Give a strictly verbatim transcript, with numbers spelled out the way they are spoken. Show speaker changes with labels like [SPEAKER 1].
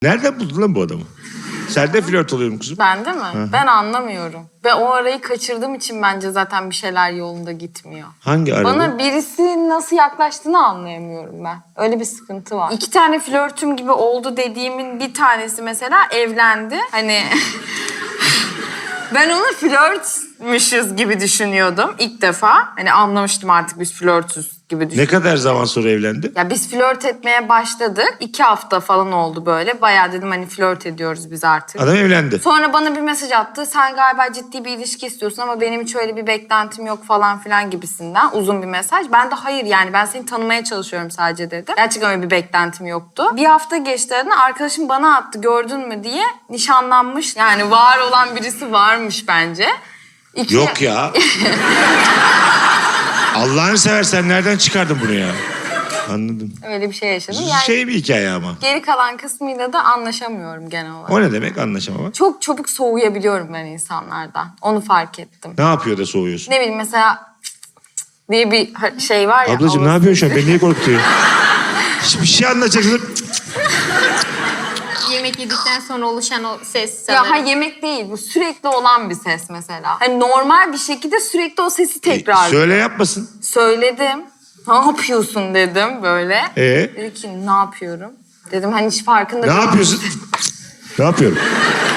[SPEAKER 1] Nereden buldun lan bu adamı? Sen de flört oluyorum kuzum.
[SPEAKER 2] Ben de mi?
[SPEAKER 1] Hı.
[SPEAKER 2] Ben anlamıyorum. Ve o arayı kaçırdığım için bence zaten bir şeyler yolunda gitmiyor.
[SPEAKER 1] Hangi arada?
[SPEAKER 2] Bana birisi nasıl yaklaştığını anlayamıyorum ben. Öyle bir sıkıntı var. İki tane flörtüm gibi oldu dediğimin bir tanesi mesela evlendi. Hani ben onu flörtmüşüz gibi düşünüyordum ilk defa. Hani anlamıştım artık biz flörtüz gibi düşünüyordum.
[SPEAKER 1] Ne kadar zaman sonra evlendi?
[SPEAKER 2] Ya biz flört etmeye başladık. İki hafta falan oldu böyle. Bayağı dedim hani flört ediyoruz biz artık.
[SPEAKER 1] Adam evlendi.
[SPEAKER 2] Sonra bana bir mesaj attı. Sen galiba ciddi bir ilişki istiyorsun ama benim hiç öyle bir beklentim yok falan filan gibisinden. Uzun bir mesaj. Ben de hayır yani ben seni tanımaya çalışıyorum sadece dedim. Gerçekten öyle bir beklentim yoktu. Bir hafta geçti aradan arkadaşım bana attı gördün mü diye. Nişanlanmış. Yani var olan birisi varmış bence. İki...
[SPEAKER 1] Yok ya. Allah'ını seversen nereden çıkardın bunu ya? Anladım.
[SPEAKER 2] Öyle bir şey yaşadım. Yani
[SPEAKER 1] Şey bir hikaye ama.
[SPEAKER 2] geri kalan kısmıyla da anlaşamıyorum genel olarak.
[SPEAKER 1] O ne demek anlaşamamak?
[SPEAKER 2] Çok çabuk soğuyabiliyorum ben insanlardan. Onu fark ettim.
[SPEAKER 1] Ne yapıyor da soğuyorsun?
[SPEAKER 2] Ne bileyim mesela diye bir şey var ya.
[SPEAKER 1] Ablacığım ne
[SPEAKER 2] havası.
[SPEAKER 1] yapıyorsun şu an? Beni niye korkutuyor? Hiçbir şey anlatacaksın.
[SPEAKER 3] Yemek yedikten sonra oluşan o ses
[SPEAKER 2] Ya
[SPEAKER 3] sanırım.
[SPEAKER 2] ha yemek değil bu sürekli olan bir ses mesela. Hani normal bir şekilde sürekli o sesi tekrar.
[SPEAKER 1] Söyle yapmasın.
[SPEAKER 2] Söyledim. Ne yapıyorsun dedim böyle.
[SPEAKER 1] Ee?
[SPEAKER 2] Dedi ki ne yapıyorum? Dedim hani hiç farkında
[SPEAKER 1] Ne
[SPEAKER 2] değilim.
[SPEAKER 1] yapıyorsun? Ne yapıyorum?